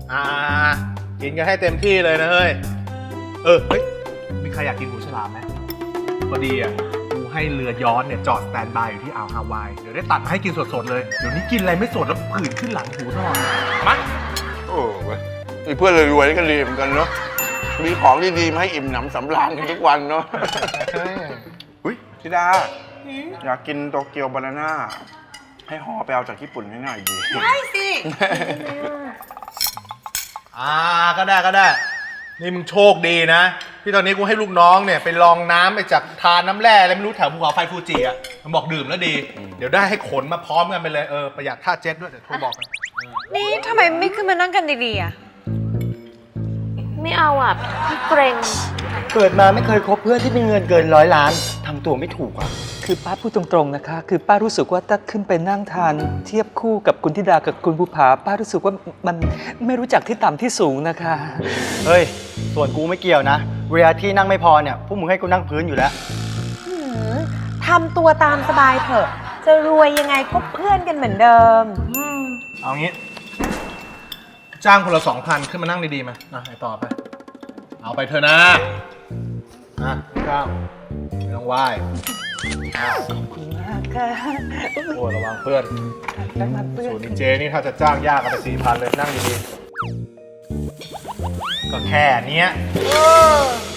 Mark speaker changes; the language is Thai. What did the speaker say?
Speaker 1: อ่ากินกันให้เต็มที่เลยนะเฮ้ยเฮ้ยมีใครอยากกินหูฉลามไหมพอดีอ่ะกูให้เรือย้อนเนี่ยจอดสแตนบายอยู่ที่อ่าวฮาวายเดี๋ยวได้ตัดมาให้กินสดๆเลยเดี๋ยวนี้กินอะไรไม่สดแล้วผื่นขึ้นหลังหูตลอดมา
Speaker 2: โอ้เว้ยมีเพื่อนรวยๆก็ดีเหมือนกันเนาะมีของดีๆมาให้อิ่มหนำสำราญกันทุกวันเนาะอุ้ยธิดาอยากกินโตเกียวบานาน่าให้ห่อไปเอาจากญี่ปุ่นให้หน่อยดี
Speaker 3: ได้สิ
Speaker 1: ก็ได้นี่มึงโชคดีนะที่ตอนนี้กูให้ลูกน้องเนี่ยไปลองน้ำไปจากทานน้ำแร่อะไรไม่รู้แถวภูเขาไฟฟูจิอ่ะมันบอกดื่มแล้วดีเดี๋ยวได้ให้ขนมาพร้อมกันไปเลยประหยัดค่าเจ็ตด้วยเดี๋ยวโทรบอกกัน
Speaker 3: นี่ทำไมไม่ขึ้นมานั่งกันดีๆอ่ะ
Speaker 4: ไม่เอาอ่ะพี่เกรง
Speaker 5: เกิดมาไม่เคยคบเพื่อนที่มีเงินเกิน100 ล้านทำตัวไม่ถูกอ่ะ
Speaker 6: คือป้าพูดตรงๆนะคะ คือป้ารู้สึกว่าถ้าขึ้นไปนั่งทานเทียบคู่กับคุณธิดากับคุณภูผาป้ารู้สึกว่ามันไม่รู้จักที่ต่ำที่สูงนะคะ
Speaker 5: เฮ้ย ส่วนกูไม่เกี่ยวนะ เวลาที่นั่งไม่พอเนี่ย พวกมึงให้กูนั่งพื้นอยู่แล้ว
Speaker 3: ทำตัวตามสบายเถอะ จะรวยยังไงก็เพื่อนกันเหมือนเดิม
Speaker 1: เอางี้ จ้างคนละ 2,000 ขึ้นมานั่งดีๆมาไอต่อไป เอาไปเถอะนะก้าวไม่ต้องไหว้โอ้ระวังเพื่อนส่วนดีเจนี่ถ้าจะจ้างยากกันไป 4,000 เลยนั่งดีๆก็แค่เนี้ย